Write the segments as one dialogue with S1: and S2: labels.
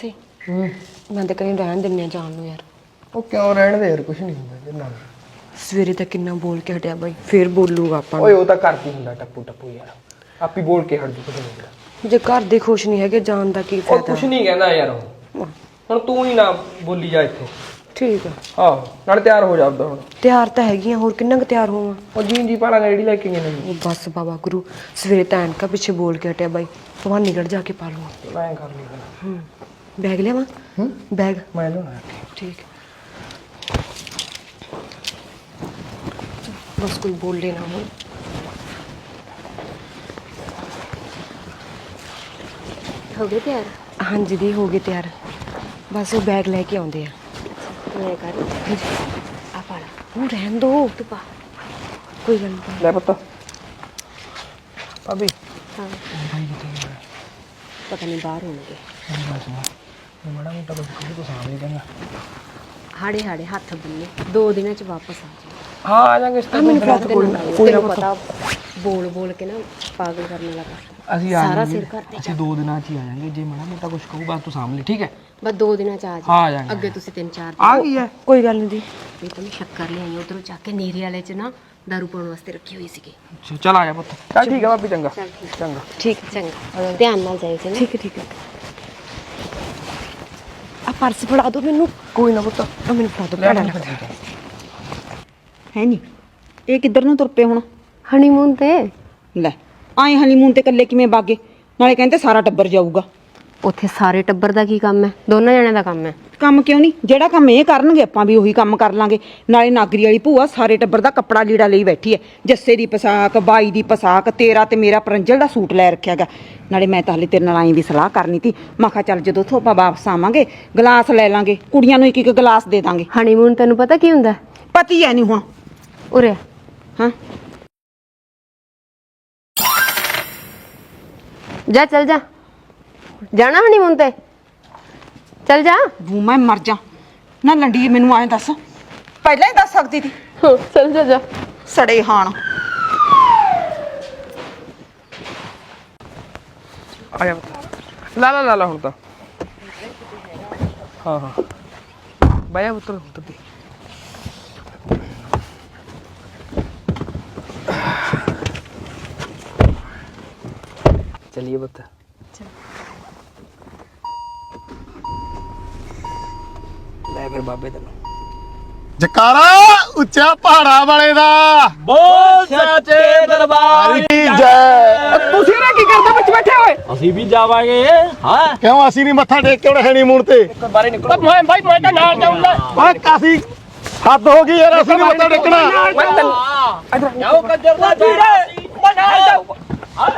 S1: ਪਾਰਸੇ ਮੈਂ ਤਾਂ ਕहीं ਰਹਿਣ ਦਿੰਨੇ ਜਾਣ ਨੂੰ ਯਾਰ।
S2: ਉਹ ਕਿਉਂ ਰਹਿਣ ਦੇ ਯਾਰ, ਕੁਛ ਨਹੀਂ ਹੁੰਦਾ ਇਹਦੇ ਨਾਲ।
S1: ਸਵੇਰੇ ਤਾਂ ਕਿੰਨਾ ਬੋਲ ਕੇ ਹਟਿਆ ਬਾਈ, ਫੇਰ ਬੋਲੂਗਾ ਆਪਾਂ ਨੂੰ।
S2: ਓਏ ਉਹ ਤਾਂ ਕਰਦੀ ਹੁੰਦਾ ਟੱਪੂ ਟੱਪੂ ਯਾਰ, ਆਪੀ ਬੋਲ ਕੇ ਹਟ ਜੂ ਕੁਛ ਨਹੀਂ ਹੁੰਦਾ।
S1: ਜੇ ਘਰ ਦੇ ਖੁਸ਼ ਨਹੀਂ ਹੈਗੇ ਜਾਣ ਦਾ ਕੀ
S2: ਉਹ
S1: ਫਾਇਦਾ।
S2: ਕੁਛ ਨਹੀਂ ਕਹਿੰਦਾ ਯਾਰ, ਉਹ ਹੁਣ ਤੂੰ ਹੀ ਨਾ ਬੋਲੀ ਜਾ ਇੱਥੇ।
S1: ਠੀਕ ਆ,
S2: ਆਹੋ ਨਾਲ ਤਿਆਰ ਹੋ ਜਾ ਆਪਦਾ ਹੁਣ।
S1: ਤਿਆਰ ਤਾਂ ਹੈਗੀ ਆ, ਹੋਰ ਕਿੰਨਾ ਕੁ ਤਿਆਰ ਹੋਵਾਂ।
S2: ਉਹ ਜੀ ਪਾਲਾਂਗੇ ਜਿਹੜੀ ਲੈ ਕੇ ਗਏ ਨੇ।
S1: ਉਹ ਬਸ ਬਾਬਾ ਗੁਰੂ ਸਵੇਰੇ ਤਾਂ ਐਨਕਾ ਪਿੱਛੇ ਬੋਲ ਕੇ ਹਟਿਆ ਬਾਈ, ਭਵਾਨੀਗੜ੍ਹ ਜਾ ਕੇ ਪਾ ਲੂੰਗਾ।
S2: ਮੈਂ ਕਰ ਲਈ
S1: ਬੈਗ ਲਿਆਵਾਂ? ਬੈਗ
S2: ਮੈਂ ਲਿਆਉਣਾ।
S1: ਠੀਕ ਬਸ ਕੋਈ ਬੋਲੇ ਨਾ ਹੁਣ।
S3: ਹੋ ਗਏ ਤਿਆਰ?
S1: ਹਾਂਜੀ ਦੀ ਹੋ ਗਏ ਤਿਆਰ, ਬਸ ਉਹ ਬੈਗ ਲੈ ਕੇ ਆਉਂਦੇ ਆ।
S3: ਮੈਂ ਕਰ ਆ ਪਾਲਾ
S1: ਉਹ ਰਹਿਣ ਦੋ,
S3: ਤੂੰ ਪਾ।
S1: ਕੋਈ ਗੱਲ ਨਹੀਂ।
S2: ਲੈ ਪੁੱਤ ਭਾਬੀ।
S3: ਹਾਂ
S2: ਭਾਈ ਕਿੱਥੇ ਗਿਆ?
S3: ਪਤਾ ਨਹੀਂ ਬਾਹਰ ਹੋਣਗੇ।
S2: ਮੈਂ ਮਾੜਾ ਮੋਟਾ ਕੁਝ ਤੂੰ ਸਾਹਮਣੇ ਕਹਿੰਦਾ।
S3: ਹਾੜੇ ਹਾੜੇ ਹੱਥ ਬੰਨੇ 2 ਦਿਨਾਂ ਚ ਵਾਪਸ ਆ ਜਾ।
S2: ਹਾਂ ਆ ਜਾਾਂਗੇ ਇਸ ਤਰ੍ਹਾਂ।
S1: ਮੈਨੂੰ ਫੜਾ ਦੇ
S3: ਕੋਈ ਨਾ ਪਤਾ ਬੋਲ ਬੋਲ ਕੇ ਨਾ ਪਾਗਲ ਕਰਨ ਵਾਲਾ ਕਰ।
S2: ਅਸੀਂ ਆ
S3: ਸਾਰਾ
S2: ਜਾਾਂਗੇ,
S3: ਸਿਰ ਘਰ ਤੇ
S2: ਅਸੀਂ 2 ਦਿਨਾਂ 'ਚ ਹੀ ਆ ਜਾਾਂਗੇ। ਜੇ ਮਾੜਾ ਮੋਟਾ ਕੁਝ ਕਹੂ ਬਸ ਤੂੰ ਸਾਹਮਣੇ, ਠੀਕ ਹੈ?
S3: ਬਸ 2 ਦਿਨਾਂ ਚ ਆ ਜਾ।
S2: ਹਾਂ ਆ ਜਾਾਂਗੇ।
S3: ਅੱਗੇ ਤੁਸੀਂ 3-4
S2: ਆ ਗਈ ਹੈ।
S1: ਕੋਈ ਗੱਲ ਨਹੀਂ ਦੀ।
S3: ਇਹ ਤਾਂ ਮੈਂ ਸ਼ੱਕਰ ਲਿਆਈ ਉਧਰੋਂ ਚੱਕ ਕੇ ਨੀਰੇ ਵਾਲੇ ਚ ਨਾ ਦਾਰੂ ਪਾਉਣ ਵਾਸਤੇ ਰੱਖੀ ਹੋਈ ਸੀਗੀ।
S2: ਅੱਛਾ ਚੱਲ ਆ ਜਾ ਪੁੱਤ। ਚੱਲ ਠੀਕ ਹੈ ਭਾਬੀ, ਚੰਗਾ
S3: ਚੱਲ ਠੀਕ
S2: ਚੰਗਾ।
S1: ਠੀਕ
S3: ਚੰਗਾ, ਧਿਆਨ ਨਾਲ ਜਾਇਓ ਚੰਗਾ।
S1: ਠੀਕ ਹੈ ਠੀਕ ਹੈ। ਆ ਪਰਸ ਫੜਾ ਦੋ ਮੈਨੂੰ।
S2: ਕੋਈ ਨਾ ਪੁੱਤ,
S1: ਆ ਮੈਨੂੰ ਫੜਾ ਦੋ, ਭੈੜਾ ਲੱਗਦਾ।
S4: ਹੈ ਨਹੀਂ ਇਹ ਕਿੱਧਰ ਨੂੰ ਤੁਰ ਪਏ ਹੁਣ?
S3: ਹਨੀਮੂਨ ਤੇ
S4: ਲੈ ਆਏ ਹਨੀਮੂਨ ਤੇ ਇਕੱਲੇ ਕਿਵੇਂ ਬਾਗੇ? ਨਾਲੇ ਕਹਿੰਦੇ ਸਾਰਾ ਟੱਬਰ ਜਾਊਗਾ।
S3: ਉੱਥੇ ਸਾਰੇ ਟੱਬਰ ਦਾ ਕੀ ਕੰਮ ਹੈ? ਦੋਨਾਂ ਜਣਿਆਂ ਦਾ ਕੰਮ ਹੈ।
S4: ਕੰਮ ਕਿਉਂ ਨਹੀਂ? ਜਿਹੜਾ ਕੰਮ ਇਹ ਕਰਨਗੇ ਆਪਾਂ ਵੀ ਉਹੀ ਕੰਮ ਕਰ ਲਾਂਗੇ। ਨਾਲੇ ਨਾਗਰੀ ਵਾਲੀ ਭੂਆ ਸਾਰੇ ਟੱਬਰ ਦਾ ਕੱਪੜਾ ਲੀੜਾ ਲਈ ਬੈਠੀ ਐ। ਜੱਸੇ ਦੀ ਪਸਾਕ, ਬਾਈ ਦੀ ਪਸਾਕ, ਤੇਰਾ ਤੇ ਮੇਰਾ ਪਰੰਜਲ ਦਾ ਸੂਟ ਲੈ ਰੱਖਿਆਗਾ। ਨਾਲੇ ਮੈਂ ਤਾਂ ਹਲੇ ਤੇਰੇ ਨਾਲ ਆਈ ਵੀ ਸਲਾਹ ਕਰਨੀ ਤੀ। ਮੈਂ ਕਿਹਾ ਚੱਲ ਜਦੋਂ ਉੱਥੋਂ ਆਪਾਂ ਵਾਪਸ ਆਵਾਂਗੇ ਗਲਾਸ ਲੈ ਲਾਂਗੇ, ਕੁੜੀਆਂ ਨੂੰ ਇੱਕ ਇੱਕ ਗਲਾਸ ਦੇ ਦਾਂਗੇ।
S3: ਹਨੀਮੂਨ ਤੈਨੂੰ ਪਤਾ ਕੀ ਹੁੰਦਾ?
S4: ਪਤੀ ਐ ਨਹੀਂ ਹੁਣ।
S3: ਉਰੇ
S4: ਹਾਂ
S3: ਜਾ ਚੱਲ ਜਾ, ਜਾਣਾ ਹਨੀਮੂਨ ਤੇ ਚੱਲ ਜਾ।
S4: ਬੂ ਮੈਂ ਮਰ ਜਾ ਨਾ ਲੰਡੀ। ਮੈਨੂੰ ਐਂ ਦੱਸ, ਪਹਿਲਾਂ ਹੀ ਦੱਸ ਸਕਦੀ ਤੀ।
S3: ਚੱਲ ਜਾ ਜਾ।
S4: ਸੜੇ ਹਾਣ
S2: ਆ ਜਾ ਪੁੱਤ। ਲਾ ਹੁਣ ਤਾਂ। ਹਾਂ ਬਾਇਆ ਉੱਤਰ ਉੱਤਰ ਦੀ। चलिए बता। ले फिर बाबे तेन
S5: ਜਕਾਰਾ ਉੱਚਾ ਪਹਾੜਾ ਵਾਲੇ ਦਾ
S6: ਬੋਲ ਸੱਚੇ ਦਰਬਾਰ
S5: ਦੀ ਜੈ।
S2: ਤੁਸੀਂ ਨਾ ਕੀ ਕਰਦੇ ਵਿੱਚ ਬੈਠੇ ਹੋਏ?
S6: ਅਸੀਂ ਵੀ ਜਾਵਾਂਗੇ। ਹਾਂ
S5: ਕਿਉਂ ਅਸੀਂ ਨਹੀਂ ਮੱਥਾ ਟੇਕ ਕੇ ਉਹਨੇ ਹਨੀਮੂਨ ਤੇ?
S2: ਬਾਰੇ ਨਿਕਲੋ। ਮੈਂ ਭਾਈ ਮੈਂ ਤਾਂ ਨਾਲ ਜਾਊਂਗਾ।
S5: ਓਏ ਕਾਫੀ ਹੱਦ ਹੋ ਗਈ ਯਾਰ, ਅਸੀਂ ਨਹੀਂ ਮੱਥਾ ਟੇਕਣਾ।
S6: ਜਾਓ ਕੰਜਰ ਦਾ ਵੀਰੇ ਮੈਂ ਨਾਲ ਜਾਊਂਗਾ।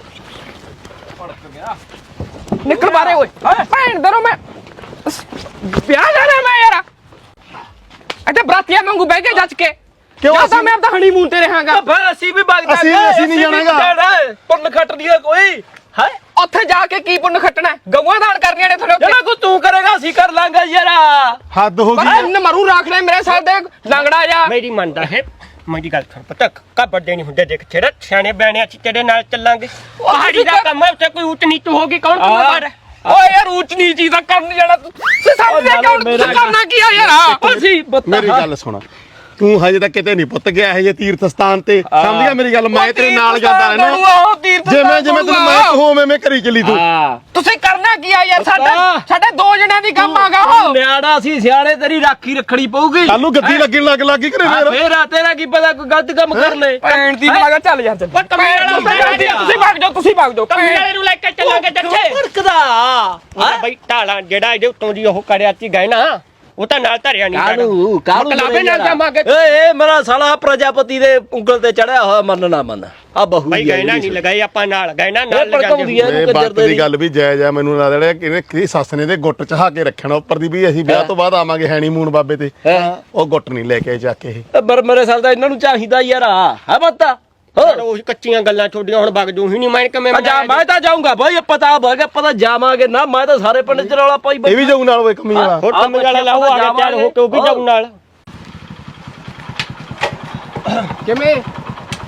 S2: ਨਿਕਲ ਬਾਰੇ ਓਏ। ਭੈਣ ਦਰੋ ਮੈਂ ਵਿਆਹ ਜਾਣਾ ਮੈਂ ਯਾਰ। ਇੱਥੇ ਬਰਾਤੀਆਂ ਵਾਂਗੂ ਬਹਿ ਕੇ ਜੱਜ ਕੇ
S5: ਕਿਉਂ
S2: ਜਾਂ ਤਾਂ
S5: ਅਸੀਂ
S2: ਮੈਂ ਆਪਦਾ ਹਨੀਮੂਨ ਤੇ ਰਹਾਂਗਾ।
S6: ਫਿਰ ਅਸੀਂ ਵੀ ਵਗ
S5: ਅਸੀਂ ਨਹੀਂ ਜਾਣਾਗਾ।
S6: ਪੁੰਨ ਖੱਟ ਲਿਆ ਕੋਈ ਹੈ।
S2: ਉੱਥੇ ਜਾ ਕੇ ਕੀ ਪੁੰਨ ਖੱਟਣਾ? ਗਊਆਂ ਦਾਨ ਕਰਨੀਆਂ ਨੇ ਤੁਹਾਡੇ ਉੱਤੇ।
S6: ਜਿਹੜਾ ਕੋ ਤੂੰ ਕਰੇਗਾ ਅਸੀਂ ਕਰ ਲਾਂਗੇ ਯਾਰ।
S5: ਹੱਦ ਹੋ
S2: ਪਰ
S5: ਗਈ।
S2: ਇਹਨੇ ਮਰੂ ਰੱਖ ਲੈ ਮੇਰੇ ਸਾਹ ਦੇ ਲੰਗੜਾ ਜਾ।
S6: ਮੇਰੀ ਮੰਨਦਾ ਹੈ ਮੇਰੀ ਗੱਲ ਸੁਣ ਪਤਾ ਕਾ ਵੱਡੇ ਨਹੀਂ ਹੁੰਦੇ। ਦੇਖ ਛੇੜਾ ਸਿਆਣੇ ਬਿਆਣੇ ਅਸੀਂ ਤੇਰੇ ਨਾਲ ਚੱਲਾਂਗੇ। ਪਹਾੜੀ ਦਾ ਕੰਮ ਹੈ, ਉੱਥੇ ਕੋਈ ਉੱਚ ਨੀਚ ਹੋਗੀ ਕੌਣ ਜ਼ਿੰਮੇਵਾਰ ਹੈ?
S2: ਓਏ ਯਾਰ ਉੱਚ ਨੀਚ ਦਾ ਕਰਨ ਜਾਣਾ ਤੂੰ ਸਾਹਮਣੇ ਕਿਉਂ ਕਰਨਾ ਕੀ ਆ ਯਾਰ?
S6: ਅਸੀਂ
S5: ਮੇਰੀ ਗੱਲ ਸੁਣ, ਤੂੰ ਹਜੇ ਤੱਕ ਕਿਤੇ ਨਹੀਂ ਪੁੱਤ ਗਿਆ ਇਹ ਜੇ ਤੀਰਥ ਸਥਾਨ ਤੇ। ਸਮਝ ਗਿਆ ਮੇਰੀ ਗੱਲ? ਮੈਂ ਤੇਰੇ ਨਾਲ ਜਾਂਦਾ ਰਹਿਣਾ। ਜਿਵੇਂ ਤੈਨੂੰ ਮੈਂ ਕਹੂੰ ਮੈਂ ਕਰੀ ਚਲੀ ਤੂੰ।
S2: ਤੁਸੀਂ ਕਰਨਾ ਕੀ ਆ ਯਾਰ? ਸਾਡੇ 2 ਜਣਿਆਂ ਦੀ ਕੰਮ ਆਗਾ ਉਹ।
S6: ਨਿਆੜਾ ਸੀ ਸਿਆਣੇ, ਤੇਰੀ ਰਾਖੀ ਰੱਖਣੀ ਪਊਗੀ।
S5: ਕੱਲ ਨੂੰ ਗੱਦੀ ਲੱਗਣ ਲੱਗੀ ਘਰੇ ਫੇਰ।
S6: ਫੇਰ ਤੇਰਾ ਕੀ ਪਤਾ ਕੋਈ ਗਲਤ ਕੰਮ ਕਰ ਲੈ।
S2: ਭੈਣ ਦੀ ਲਾਗਾ ਚੱਲ ਯਾਰ ਚੱਲ। ਤੁਸੀਂ ਭਾਗ ਜਾਓ।
S6: ਕਮੀਲੇ ਨੂੰ ਲੈ ਕੇ ਚੱਲਾਂਗੇ ਜੱਥੇ। ਫੜਕਦਾ ਬਈ ਢਾਲਾਂ ਜਿਹੜਾ ਇਹਦੇ ਉੱਤੋਂ ਦੀ ਉਹ ਕਰਿਆ ਸੀ ਗਏ ਨਾ, ਉਹ ਤਾਂ ਨਾਲ ਧਰਿਆ ਨਹੀਂ।
S2: ਕਲਾਬੇ ਨਾਲ ਜਾਵਾਂਗੇ।
S6: ਏ ਮੇਰਾ ਸਾਲਾ ਪ੍ਰਜਾਪਤੀ ਦੇ ਉਂਗਲ ਤੇ ਚੜਿਆ ਹੋਇਆ ਮੰਨ ਨਾ ਮੰਨ ਆ ਬਹੂ
S2: ਭਾਈ ਗਏ ਨਾ ਨਹੀਂ ਲਗਾਈ ਆਪਾਂ ਨਾਲ ਗਏ ਨਾ ਨਾਲ
S6: ਭੜਕਾਉਂਦੀ ਐ
S5: ਇਹ
S6: ਇਹਨੂੰ
S5: ਬਾਤ
S6: ਕੰਜਰ
S5: ਦੀ ਗੱਲ ਵੀ ਜਾਇਜ਼ ਆ। ਮੈਨੂੰ ਲੱਗਦਾ ਰਿਹਾ ਕਿ ਕਿਹਦੀ ਸੱਸ ਨੇ ਦੇ ਗੁੱਟ ਚਹਾ ਕੇ ਰੱਖਣਾ ਉੱਪਰ ਦੀ ਵੀ ਅਸੀਂ ਵਿਆਹ ਤੋਂ ਬਾਅਦ ਆਵਾਂਗੇ ਹੈਨੀਮੂਨ ਬਾਬੇ ਤੇ। ਉਹ ਗੁੱਟ ਨਹੀਂ ਲੈ ਕੇ ਜਾ ਕੇ ਇਹ।
S6: ਪਰ ਮੇਰੇ ਸਾਲ ਦਾ ਇਹਨਾਂ ਨੂੰ ਚਾਹੀਦਾ ਯਾਰ ਹੈ ਬੱਤਾ।
S2: ਉਹ ਕੱਚੀਆਂ ਗੱਲਾਂ ਛੋਡੀਆਂ ਹੁਣ ਵਗ ਜੂ ਹੀ ਨਹੀਂ। ਮੈਂ ਕਿਵੇਂ
S6: ਮੈਂ ਤਾਂ ਜਾਊਂਗਾ ਭਾਈ। ਪਤਾ ਭਾਗਾ ਪਤਾ ਜਾਵਾਂਗੇ ਨਾ। ਮੈਂ ਤਾਂ ਸਾਰੇ ਪਿੰਡ ਚ ਰੌਲਾ ਪਾਈ
S5: ਇਹ ਵੀ ਜਾਊ ਨਾਲ ਓਏ ਕਮੀ ਵਾਲਾ।
S2: ਹੋਰ ਕੰਮ ਵਾਲਾ ਲਾਓ ਆ ਗਿਆ ਤਿਆਰ ਹੋ ਕੇ ਉਹ ਵੀ ਜਾਊ ਨਾਲ। ਕਿਵੇਂ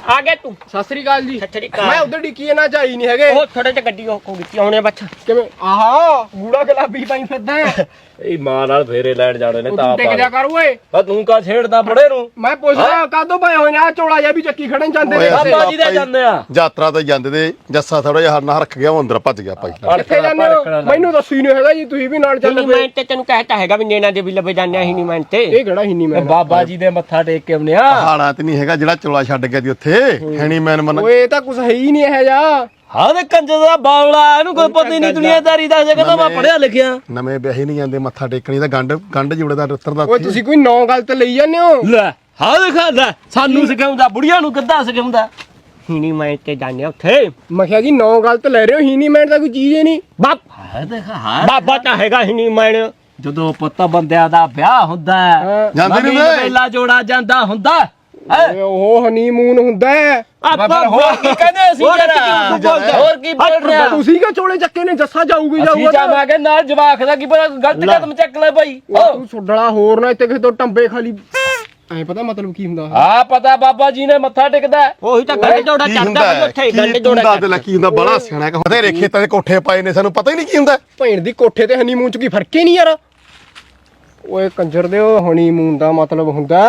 S6: ਆ ਗਿਆ ਤੂੰ
S2: ਸਤਿ ਸ੍ਰੀ ਅਕਾਲ ਜੀ
S6: ਸਤਿ ਸ੍ਰੀ ਅਕਾਲ।
S2: ਮੈਂ ਉਧਰ ਡਿੱਕੀ ਨਾ ਚਾਈ ਨਹੀਂ ਹੈਗੇ
S6: ਉਹ ਥੋੜੇ ਜਿਹਾ ਗੱਡੀ ਉਹ ਕੀਤੀ ਆਉਣੇ ਬੱਚ
S2: ਕਿਵੇਂ ਆਹਾ ਗੂੜਾ ਗੁਲਾਬੀ ਪਾਈ ਫਿਰਦਾ ਹੈ।
S7: ਇਹ ਮਾਂ ਨਾਲ ਫੇਰੇ ਲੈਣ ਜਾਣੇ ਨੇ
S2: ਉਹ
S7: ਤਾਂ
S2: ਤੂੰ ਟਿਕ ਜਾ ਕਰ ਓਏ
S7: ਆ ਤੂੰ ਕਾ ਛੇੜਦਾ ਬੜੇ ਨੂੰ
S2: ਮੈਂ ਪੁੱਛਦਾ ਕਾਦੋਂ ਪਏ ਹੋਏ ਨੇ ਆ ਚੋਲਾ ਜਿਹਾ ਵੀ ਚੱਕੀ ਖੜਨ ਜਾਂਦੇ ਨੇ
S5: ਓਏ ਅਸੀਂ
S7: ਬਾਬਾ ਜੀ ਦੇ ਜਾਂਦੇ ਆ
S5: ਯਾਤਰਾ ਤੇ ਜਾਂਦੇ ਤੇ ਜੱਸਾ ਥੋੜਾ ਜਿਹਾ ਹਰਨਾ ਰੱਖ ਗਿਆ ਉਹ ਅੰਦਰ ਭੱਜ ਗਿਆ ਭਾਈ
S2: ਕਿੱਥੇ ਜਾਂਦੇ ਹੋ ਮੈਨੂੰ ਦੱਸੀ ਨਹੀਂ ਹੈਗਾ ਜੀ ਤੁਸੀਂ ਵੀ ਨਾਲ ਚੱਲ
S6: ਹਿੰਨੀ
S2: ਪਏ
S6: ਮੈਂ ਤੇ ਤੈਨੂੰ ਕਹਿਤਾ ਹੈਗਾ ਵੀ ਨੈਣਾ ਦੇ ਵੀ ਲੱਭੇ ਜਾਂਦੇ ਆ ਹਿੰਨੀ ਮੈਂ ਤੇ
S2: ਇਹ ਕਿਹੜਾ ਹੀ ਨਹੀਂ ਮੈਂ
S7: ਬਾਬਾ ਜੀ ਦੇ ਮੱਥਾ ਟੇਕ ਕੇ ਆਉਨੇ ਆ
S5: ਪਹਾੜਾਂ ਤੇ ਨਹੀਂ ਹੈਗਾ ਜਿਹੜਾ ਚੋਲਾ ਛੱਡ ਗਿਆ ਦੀ ਉੱਥੇ ਹੈਣੀ ਮੈਨ ਮਨ
S2: ਓਏ ਇਹ ਤਾਂ ਕੁਛ ਹੈ ਹੀ ਨਹੀਂ ਇਹ ਜਾ
S7: ਹਾਂ ਤੇ ਕੰਜਰ ਦਾ ਬਾਵਲਾ ਇਹਨੂੰ ਕੋਈ ਪਤਾ ਹੀ ਨਹੀਂ ਦੁਨੀਆਦਾਰੀ ਦਾ ਜੇ ਕਹਿੰਦਾ ਮੈਂ ਪੜਿਆ ਲਿਖਿਆ
S5: ਨਵੇਂ ਵਿਆਹੀ ਨਹੀਂ ਜਾਂਦੇ ਮੱਥਾ ਟੇਕਣੀ ਤਾਂ ਗੰਢ ਜੁੜੇ ਦਾ ਉੱਤਰ ਦਾ
S2: ਓਏ ਤੁਸੀਂ ਕੋਈ ਨੌ ਗੱਲ ਤੇ ਲਈ ਜਾਂਦੇ ਹੋ
S7: ਲੈ ਹਾਂ ਦੇਖਾ ਲੈ ਸਾਨੂੰ ਸਿਖਾਉਂਦਾ ਬੁੜੀਆਂ ਨੂੰ ਕਿੱਦਾਂ ਸਿਖਾਉਂਦਾ
S6: ਹਿੰਨੀ ਮੈਂ ਤੇ ਜਾਂਦੇ ਆ ਉੱਥੇ
S2: ਮੈਂ ਕਿਹਾ ਜੀ ਨੌ ਗੱਲ ਤੇ ਲੈ ਰਹੇ ਹੋ ਹੀ ਨਹੀਂ ਮੈਂ ਤਾਂ ਕੋਈ ਚੀਜ਼ ਹੀ ਨਹੀਂ
S7: ਹਾਂ ਦੇਖਾ ਹਾਂ
S6: ਬਾਬਾ ਤਾਂ ਹੈਗਾ ਹਿੰਨੀ ਮੈਂ
S7: ਜਦੋਂ ਪੁੱਤ ਬੰਦਿਆਂ ਦਾ ਵਿਆਹ ਹੁੰਦਾ ਹੈ
S5: ਜਾਂਦੇ ਨੀ
S7: ਨਵੀਂ
S5: ਓਏ।
S7: ਵੇਲਾ ਜੋੜਾ ਜਾਂਦਾ ਹੁੰਦਾ
S2: ਓਏ ਉਹ ਹਨੀਮੂਨ ਹੁੰਦਾ ਹੈ
S7: ਆਪਾਂ ਹੋਰ ਕੀ ਕਹਿੰਦੇ ਅਸੀਂ ਹੋਰ ਕੀ ਬੋਲ ਰਿਹਾ
S2: ਤੁਸੀਂ ਕਿਉਂ ਚੋਲੇ ਚੱਕੇ ਨੇ ਜੱਸਾ ਜਾਊਗੀ
S7: ਅਸੀਂ
S2: ਜਾਊਗਾ
S7: ਜਾਵਾਂਗੇ ਨਾਲ ਜਵਾਕ ਦਾ ਕੀ ਪਤਾ ਗਲਤ ਕਦਮ ਚੱਕ ਲੈ ਭਾਈ
S2: ਤੂੰ ਛੁੱਡਲਾ ਹੋਰ ਨਾ ਇੱਥੇ ਕਿਸੇ ਤੋਂ ਟੰਬੇ ਖਾਲੀ ਐ ਪਤਾ ਮਤਲਬ ਕੀ ਹੁੰਦਾ
S7: ਆ ਪਤਾ ਬਾਬਾ ਜੀ ਨੇ ਮੱਥਾ ਟੇਕਦਾ
S6: ਉਹੀ ਤਾਂ ਗੱਡ ਜੋੜਾ
S5: ਕੀ
S6: ਚੱਲਦਾ
S5: ਹੁੰਦਾ
S6: ਬਈ ਉੱਥੇ
S5: ਕੀ
S6: ਗੱਡ
S5: ਤੂੰ
S6: ਜੋੜਾ
S5: ਦੱਸ ਦੇ ਲੈ ਕੀ ਹੁੰਦਾ ਬੜਾ ਸਿਆਣਾ ਕਿ ਬਥੇਰੇ ਖੇਤਾਂ ਦੇ ਕੋਠੇ ਪਾਏ ਨੇ ਸਾਨੂੰ ਪਤਾ ਹੀ ਨਹੀਂ ਕੀ ਹੁੰਦਾ
S2: ਭੈਣ ਦੀ ਕੋਠੇ ਤੇ ਹਨੀਮੂਨ ਚ ਕੀ ਫਰਕ ਹੀ ਨਹੀਂ ਯਾਰ ਓਏ ਕੰਜਰ ਦੇ ਉਹ ਹਨੀਮੂਨ ਦਾ ਮਤਲਬ ਹੁੰਦਾ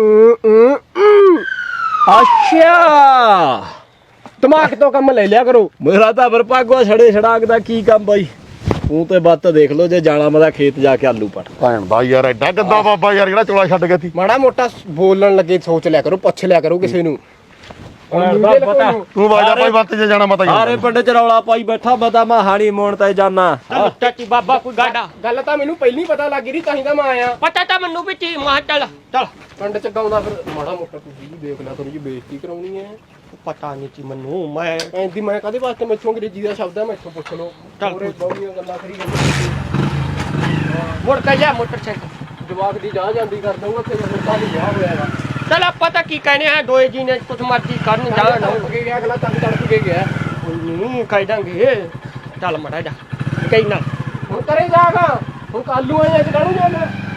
S7: ਅੱਛਾ
S2: ਦਿਮਾਗ ਤੋਂ ਕੰਮ ਲੈ ਲਿਆ ਕਰੋ
S7: ਮੇਰਾ ਤਾਂ ਵਰਪਾਗਵਾ ਛੜੇ ਛੜਾਕ ਦਾ ਕੀ ਕੰਮ ਬਾਈ ਤੂੰ ਤੇ ਬੱਤ ਦੇਖ ਲੋ ਜੇ ਜਾਣਾ ਮੈਂ ਖੇਤ ਜਾ ਕੇ ਆਲੂ ਪੜ
S5: ਭੈਣ ਦਾ ਯਾਰ ਐਡਾ ਗੰਦਾ ਬਾਬਾ ਯਾਰ ਜਿਹੜਾ ਚੋਲਾ ਛੱਡ ਗਿਆ ਸੀ
S2: ਮਾੜਾ ਮੋਟਾ ਬੋਲਣ ਲੱਗੇ ਸੋਚ ਲਿਆ ਕਰੋ ਪੁੱਛ ਲਿਆ ਕਰੋ ਕਿਸੇ ਨੂੰ
S7: ਪਤਾ
S5: ਤੂੰ ਵਾਜਾ ਭਾਈ ਬੰਤ ਜੇ ਜਾਣਾ ਮਤਾ
S7: ਸਾਰੇ ਪਿੰਡ ਚ ਰੌਲਾ ਪਾਈ ਬੈਠਾ ਬਤਾ ਮੈਂ ਹਾਣੀ ਮੋਣ ਤੇ ਜਾਣਾ
S6: ਚਾਚੀ ਬਾਬਾ ਕੋਈ ਗਾਡਾ
S2: ਗੱਲ ਤਾਂ ਮੈਨੂੰ ਪਹਿਲੀ ਪਤਾ ਲੱਗ ਗਈ ਤਾਂ ਹੀ ਤਾਂ ਮੈਂ ਆਇਆ
S6: ਪਤਾ ਤਾਂ ਮੈਨੂੰ ਵੀ ਤੀ ਮਾਂ ਚੱਲ ਚੱਲ
S2: ਪਿੰਡ ਚ ਗਾਉਂਦਾ ਫਿਰ ਮਾੜਾ ਮੋਟਾ ਤੁਸੀਂ ਵੀ ਦੇਖ ਲਿਆ ਕਰੋ ਜੀ ਬੇਇੱਜ਼ਤੀ ਕਰਾਉਣੀ ਹੈ
S6: ਪਤਾ ਨਹੀਂ ਤੀ ਮੈਨੂੰ ਮੈਂ
S2: ਐਂਦੀ ਮੈਂ ਕਾਹਦੇ ਵਾਸਤੇ ਮੈਥੋਂ ਅੰਗਰੇਜ਼ੀ ਦਾ ਸ਼ਬਦ ਹੈ ਮੈਥੋਂ ਪੁੱਛ ਲਓ ਹੋਰੇ ਬਹੁਤੀਆਂ ਗੱਲਾਂ ਕਰੀ ਜਾਂਦੇ
S6: ਮੁੜ ਕੇ ਜਾ ਮੋਟਰਸਾਈਕਲ
S2: ਜਵਾਕ ਦੀ ਜਾ ਜਾਂਦੀ ਕਰ ਦਊਗਾ ਤੇ ਮੁੰਡਾ ਵੀ ਵਿਆਹ ਹੋਇਆ ਹੈਗਾ
S6: ਚਲ ਆਪਾਂ ਤਾਂ ਕੀ ਕਹਿੰਦੇ ਆ ਦੋਏ ਜੀ ਨੇ ਕੁਛ ਮਰਜ਼ੀ ਕਰਨ ਜਾਣ
S2: ਤੜਪ ਕੇ ਗਿਆ ਅਗਲਾ ਤੜਪ ਕੇ ਗਿਆ
S6: ਨਹੀਂ ਕਹਿ ਦਾਂਗੇ ਚੱਲ ਮੜਾ ਜਾ ਕਈ ਨਾ
S2: ਹੁਣ ਕਰੇ ਜਾਗਾ ਹੁਣ ਕਾਲੂ ਆਏ ਅੱਜ ਕਾਹਨੂੰ ਜਾਣਾ